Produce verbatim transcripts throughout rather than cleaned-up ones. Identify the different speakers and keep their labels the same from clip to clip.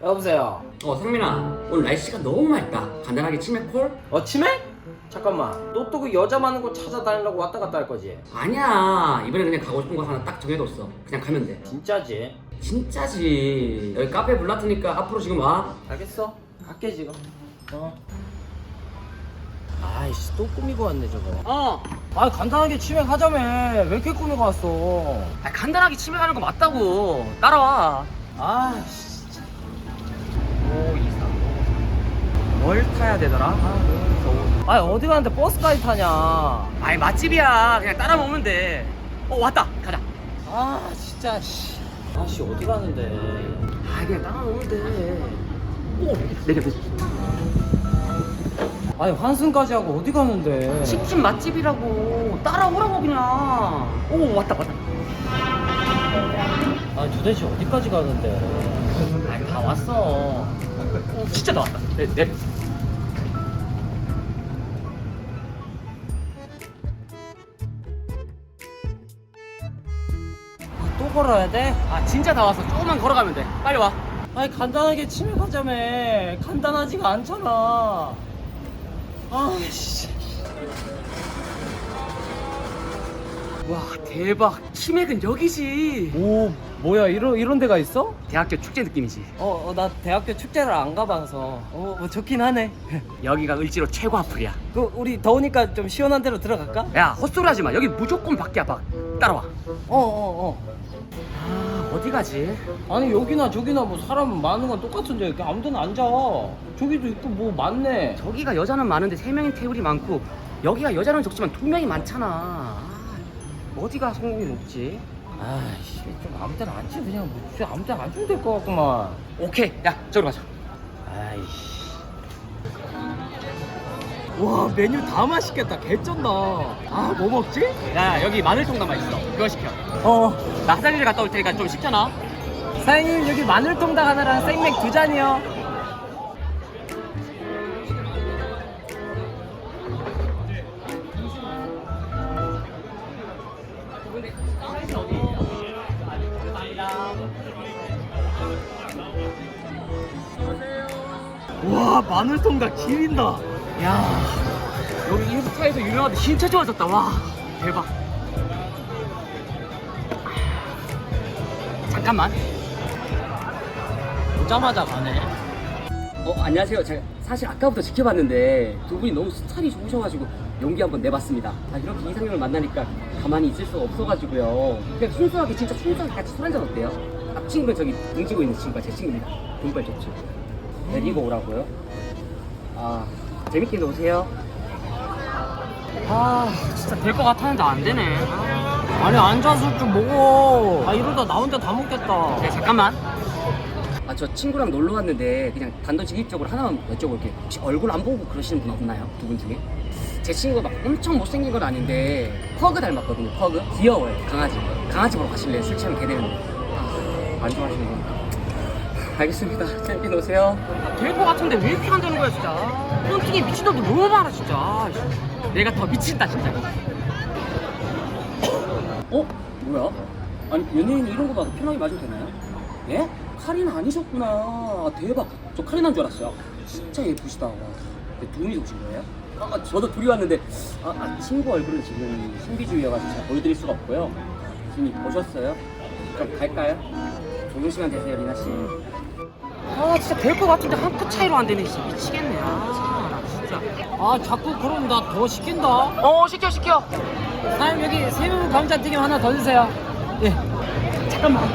Speaker 1: 여보세요.
Speaker 2: 어 상민아, 오늘 날씨가 너무 맑다. 간단하게 치맥 콜?
Speaker 1: 어 치맥? 잠깐만. 너 또 그 여자 많은 곳 찾아다니려고 왔다 갔다 할 거지?
Speaker 2: 아니야, 이번에 그냥 가고 싶은 거 하나 딱 정해뒀어. 그냥 가면 돼.
Speaker 1: 진짜지?
Speaker 2: 진짜지. 여기 카페 불났으니까 앞으로 지금 와.
Speaker 1: 알겠어. 갈게 지금. 어. 아이씨 또 꾸미고 왔네 저거.
Speaker 2: 어.
Speaker 1: 아 간단하게 치맥 하자며. 왜 이렇게 꾸미고 왔어?
Speaker 2: 아, 간단하게 치맥 하는 거 맞다고. 따라와.
Speaker 1: 아이씨 진짜. 오이삼 뭘 타야 되더라? 아 너무 더워. 아 어디 가는데 버스까지 타냐?
Speaker 2: 아이 맛집이야. 그냥 따라 먹으면 돼. 어 왔다. 가자.
Speaker 1: 아 진짜 씨. 아씨 어디 가는데?
Speaker 2: 아 그냥 따라 먹으면 돼. 오 내려 내려.
Speaker 1: 아니 환승까지 하고 어디 가는데?
Speaker 2: 식집 맛집이라고. 따라오라고 그냥. 오 왔다 왔다.
Speaker 1: 아 도대체 어디까지 가는데?
Speaker 2: 아이 다 왔어. 어, 진짜 다 왔다. 내 내려.
Speaker 1: 또 걸어야 돼?
Speaker 2: 아 진짜 다 왔어. 조금만 걸어가면 돼. 빨리 와.
Speaker 1: 아니 간단하게 치맥 하자며. 간단하지가 않잖아. 아씨.
Speaker 2: 와 대박. 치맥은 여기지.
Speaker 1: 오 뭐야 이런 이런 데가 있어?
Speaker 2: 대학교 축제 느낌이지.
Speaker 1: 어 나 대학교 축제를 안 가봐서. 어 뭐 좋긴 하네.
Speaker 2: 여기가 을지로 최고 앞플이야.
Speaker 1: 그 우리 더우니까 좀 시원한 데로 들어갈까?
Speaker 2: 야 헛소리 하지 마. 여기 무조건 밖이야 밖. 따라와.
Speaker 1: 어 어, 어.
Speaker 2: 아 어디 가지?
Speaker 1: 아니 여기나 저기나 뭐 사람 많은 건 똑같은데 이렇게 아무데나 앉아. 저기도 있고 뭐 많네.
Speaker 2: 저기가 여자는 많은데 세 명인 테이블이 많고 여기가 여자는 적지만 두 명이 많잖아. 아, 어디가 성공이 높지?
Speaker 1: 아이씨 좀 아무데나 앉지 그냥 뭐 진짜 아무데나 앉으면 될 것 같구만.
Speaker 2: 오케이. 야 저기로 가자.
Speaker 1: 아이씨. 와 메뉴 다 맛있겠다. 개쩐다. 아 뭐 먹지?
Speaker 2: 야 여기 마늘통닭 있어. 그거 시켜.
Speaker 1: 어
Speaker 2: 나 화장실 갔다 올 테니까 좀 식잖아.
Speaker 1: 사장님 여기 마늘통닭 하나랑 생맥 두 잔이요. 와 마늘통닭 지린다.
Speaker 2: 야 여기 인스타에서 유명한데 진짜 좋아졌다. 와 대박. 잠깐만.
Speaker 1: 오자마자 가네.
Speaker 2: 어 안녕하세요. 제가 사실 아까부터 지켜봤는데 두 분이 너무 스타일이 좋으셔가지고 용기 한번 내봤습니다. 아 이렇게 이상형을 만나니까 가만히 있을 수가 없어가지고요. 그냥 순수하게 진짜 순수하게 같이 술 한잔 어때요? 앞 친구는 저기 등지고 있는 친구가 제 친구입니다. 등발 좋죠. 데리고 오라고요? 아 재밌게 노세요.
Speaker 1: 아 진짜 될 것 같았는데 안 되네. 아니 앉아서 좀 먹어. 아 이러다 나 혼자 다 먹겠다.
Speaker 2: 네 잠깐만. 아 저 친구랑 놀러 왔는데 그냥 단도직입적으로 하나만 여쭤볼게요. 혹시 얼굴 안 보고 그러시는 분 없나요? 두 분 중에? 제 친구가 막 엄청 못생긴 건 아닌데 퍼그 닮았거든요. 퍼그 귀여워요. 강아지 강아지 보러 가실래요? 술 취하면 개 되는데. 아, 안 좋아하시는 거. 알겠습니다. 재밌게 노세요.
Speaker 1: 될 것 같은데 왜 이렇게 안 되는 거야 진짜. 폰팅이 미친 놈들 너무 많아 진짜.
Speaker 2: 내가 더 미친다 진짜. 어? 뭐야? 아니 연예인이 이런 거 봐도 편하게 맞으면 되나요? 예? 카리나 아니셨구나. 아, 대박. 저 카리나인 줄 알았어요. 진짜 예쁘시다. 와. 네, 두 분이서 오신 거예요? 아, 저도 둘이 왔는데 아, 아, 친구 얼굴은 지금 신비주의여가지고 잘 보여드릴 수가 없고요. 이미 보셨어요? 그럼 갈까요? 좋은 시간 되세요, 리나 씨.
Speaker 1: 아 진짜 될 것 같은데 한 끗 차이로 안 되네. 진짜 미치겠네. 아 진짜. 아 자꾸 그럼 나 더 시킨다.
Speaker 2: 어 시켜 시켜.
Speaker 1: 사장님 여기 새우 감자튀김 하나 더 주세요. 예.
Speaker 2: 잠깐만.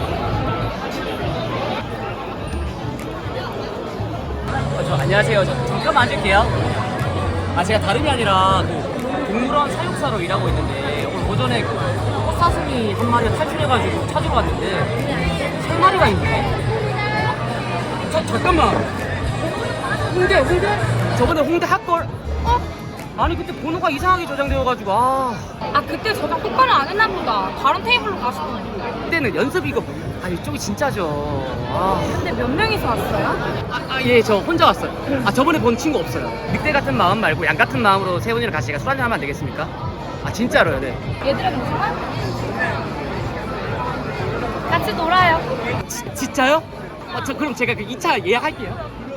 Speaker 2: 어, 저 안녕하세요. 저 잠깐만 앉을게요. 아 제가 다름이 아니라 그 동물원 사육사로 일하고 있는데 오늘 오전에 그 헛사슴이 한 마리가 탈출해가지고 찾으러 왔는데 세 마리가 있네. 저 잠깐만. 홍대 홍대? 저번에 홍대 핫걸? 어? 아니 그때 번호가 이상하게 저장되어가지고 아.
Speaker 3: 아 그때 저장 똑바로 안 했나 보다. 다른 테이블로 가시던데.
Speaker 2: 그때는 연습 이거 아 이쪽이 진짜죠. 아.
Speaker 3: 근데 몇 명이서 왔어요?
Speaker 2: 아, 예, 저 혼자 왔어요. 아, 저번에 본 친구 없어요. 늑대 같은 마음 말고 양 같은 마음으로 세 분이랑 같이 술 한잔 하면 안 되겠습니까? 아, 진짜로요, 네.
Speaker 3: 얘들아 괜찮아? 같이 놀아요.
Speaker 2: 지, 진짜요?
Speaker 1: 아, 저 그럼 제가 그 이 차 예약할게요.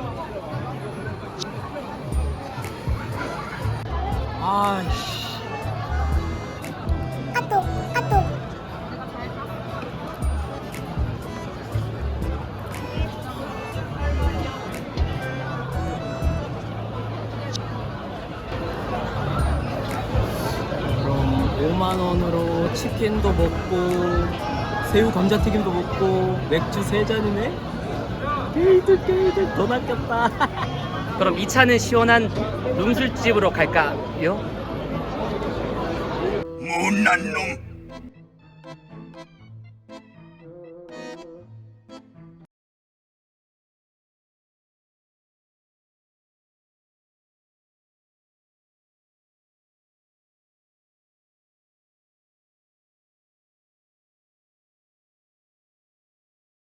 Speaker 1: 아이씨.
Speaker 2: 그럼 오만 원으로 치킨도 먹고 새우 감자튀김도 먹고 맥주 세 잔이네. 게이드 게이드 돈 아꼈다.
Speaker 1: 그럼 이 차는 시원한 룸술집으로 갈까요?
Speaker 4: 못난 놈.